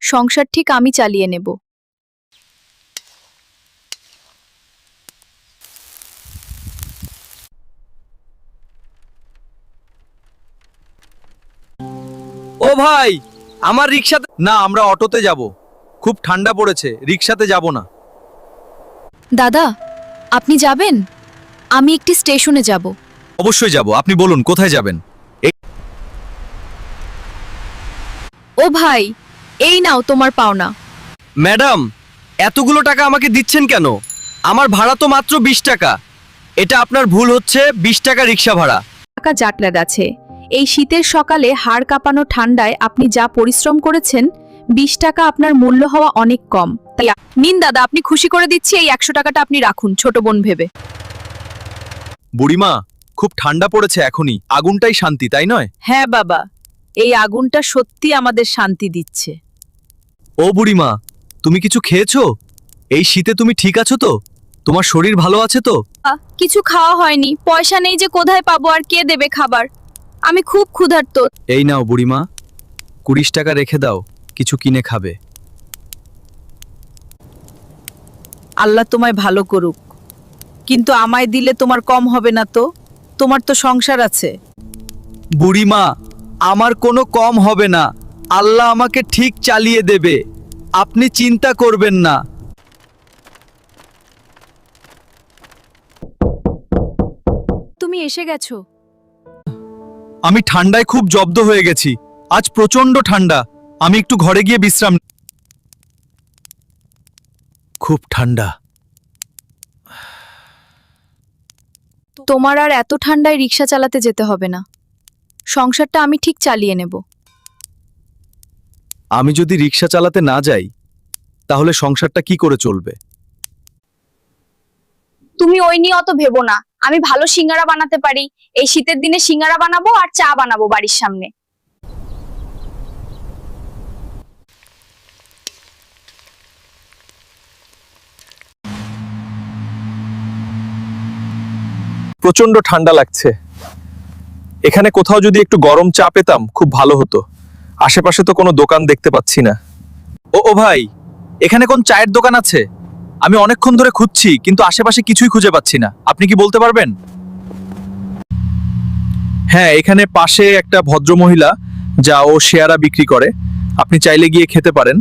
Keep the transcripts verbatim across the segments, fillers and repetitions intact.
সংসার ঠিক আমি চালিয়ে নেব। ও ভাই, আমার রিকশাতে না, আমরা অটোতে যাব। খুব ঠান্ডা পড়েছে, রিকশাতে যাব না। দাদা, আপনি যাবেন? আমি একটি স্টেশনে যাব। অবশ্যই যাব, আপনি বলুন কোথায় যাবেন। ও ভাই, এই নাও তোমার পাওনা। ম্যাডাম, এতগুলো টাকা আমাকে দিচ্ছেন কেন? আমার ভাড়া তো মাত্র বিশ টাকা। এটা আপনার ভুল হচ্ছে, বিশ টাকা রিকশা ভাড়া। টাকা জাটলাদ আছে। এই শীতের সকালে হাড় কাঁপানো ঠান্ডায় আপনি যা পরিশ্রম করেছেন, বিশ টাকা আপনার মূল্য হওয়া অনেক কম। তাই নিন দাদা, আপনি খুশি করে দিচ্ছি, এই একশো টাকাটা আপনি রাখুন ছোট বোন ভেবে। বুড়িমা, খুব ঠান্ডা পড়েছে এখনই, আগুনটাই শান্তি, তাই নয়? হ্যাঁ বাবা, এই আগুনটা সত্যি আমাদের শান্তি দিচ্ছে। ও বুড়িমা, তুমি কিছু খেয়েছো? এই শীতে তুমি ঠিক আছো তো? তোমার শরীর ভালো আছে তো? আ, কিছু খাওয়া হয়নি, পয়সা নেই যে কোথায় পাবো আর কে দেবে খাবার। আমি খুব ক্ষুধার্ত। এই নাও বুড়িমা, কুড়ি টাকা রেখে দাও, কিছু কিনে খাবে। আল্লাহ তোমায় ভালো করুক, কিন্তু আমায় দিলে তোমার কম হবে না তো? তোমার তো সংসার আছে। বুড়িমা, আমার কোনো কম হবে না, আল্লাহ আমাকে ঠিক চালিয়ে দেবে, আপনি চিন্তা করবেন না। তুমি এসে গেছো। আমি ঠান্ডায় খুব জব্দ হয়ে গেছি, আজ প্রচন্ড ঠান্ডা। আমি একটু ঘরে গিয়ে বিশ্রাম। খুব ঠান্ডা। তোমার আর এত ঠান্ডায় রিক্সা চালাতে যেতে হবে না, সংসারটা আমি ঠিক চালিয়ে নেব। আমি যদি রিক্সা চালাতে না যাই, তাহলে সংসারটা কি করে চলবে? তুমি ওই নিয়ে অত ভেবো না, আমি ভালো সিঙ্গারা বানাতে পারি। এই শীতের দিনে সিঙ্গারা বানাবো আর চা বানাবো বাড়ির সামনে। প্রচন্ড ঠান্ডা লাগছে। এখানে কোথাও যদি একটু গরম চা পেতাম খুব ভালো হতো। আশেপাশে তো কোনো দোকান দেখতে পাচ্ছি না। ও ও ভাই, এখানে কোন চায়ের দোকান আছে? আমি অনেকক্ষণ ধরে খুঁজছি, কিন্তু আশেপাশে কিছুই খুঁজে পাচ্ছি না। আপনি কি বলতে পারবেন? হ্যাঁ, এখানে পাশে একটা ভদ্রমহিলা যা ও শেয়ারা বিক্রি করে, আপনি চাইলে গিয়ে খেতে পারেন।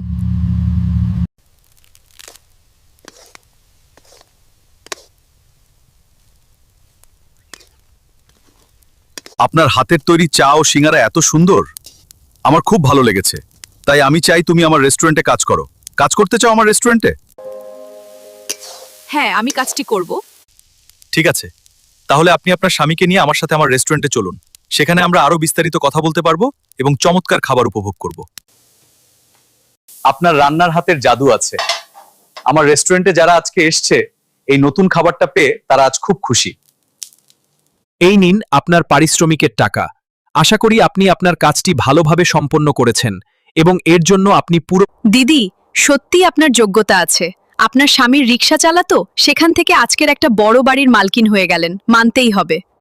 আপনার হাতের তৈরি চা ও সিঙ্গারা এত সুন্দর, আমার খুব ভালো লেগেছে। তাই আমি চাই তুমি আমার রেস্টুরেন্টে কাজ করো। কাজ করতে চাও আমার রেস্টুরেন্টে? হ্যাঁ, আমি কাজটি করব। ঠিক আছে, তাহলে আপনি আপনার স্বামীকে নিয়ে আমার সাথে আমার রেস্টুরেন্টে চলুন। সেখানে আমরা আরো বিস্তারিত কথা বলতে পারবো এবং চমৎকার খাবার উপভোগ করব। আপনার রান্নার হাতের জাদু আছে। আমার রেস্টুরেন্টে যারা আজকে এসছে, এই নতুন খাবারটা পেয়ে তারা আজ খুব খুশি। এই নিন আপনার পারিশ্রমিকের টাকা। আশা করি আপনি আপনার কাজটি ভালোভাবে সম্পন্ন করেছেন এবং এর জন্য আপনি পুরো। দিদি, সত্যি আপনার যোগ্যতা আছে। আপনার স্বামীর রিক্সা চালাতো, সেখান থেকে আজকের একটা বড় বাড়ির মালকিন হয়ে গেলেন, মানতেই হবে।